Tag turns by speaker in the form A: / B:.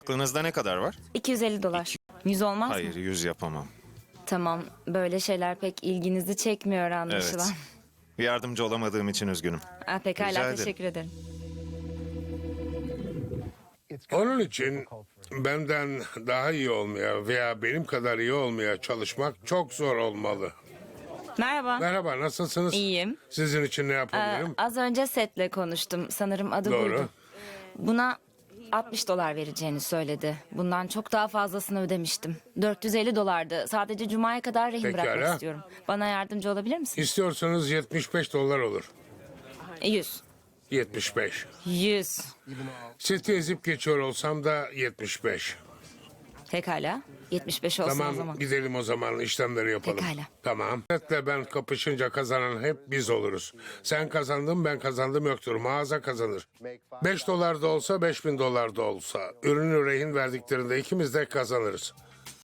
A: Aklınızda ne kadar var?
B: 250 dolar. 100 olmaz mı?
A: Hayır, 100 yapamam.
B: Tamam. Böyle şeyler pek ilginizi çekmiyor anlaşılan.
A: Evet. Yardımcı olamadığım için üzgünüm.
B: Ah, pekala,
A: Rica ederim.
B: teşekkür ederim.
C: Onun için benden daha iyi olmaya veya benim kadar iyi olmaya çalışmak çok zor olmalı.
B: Merhaba.
C: Merhaba, nasılsınız?
B: İyiyim.
C: Sizin için ne yapabilirim?
B: Az önce Seth'le konuştum. Sanırım adı
C: Doğru.
B: buydu. Buna 60 dolar vereceğini söyledi. Bundan çok daha fazlasını ödemiştim. 450 dolardı. Sadece Cuma'ya kadar rehin
C: Pekala.
B: bırakmak istiyorum. Bana yardımcı olabilir misin?
C: İstiyorsanız 75 dolar olur.
B: 100.
C: 75.
B: 100.
C: Seti ezip geçiyor olsam da 75.
B: Pekala. 75 olsun o
C: Tamam,
B: zaman.
C: gidelim o zaman, işlemleri yapalım.
B: Pekala.
C: Tamam. Setle ben kapışınca kazanan hep biz oluruz. Sen kazandın, ben kazandım yoktur. Mağaza kazanır. 5 dolar da olsa, 5.000 dolar da olsa. Ürünü rehin verdiklerinde ikimiz de kazanırız.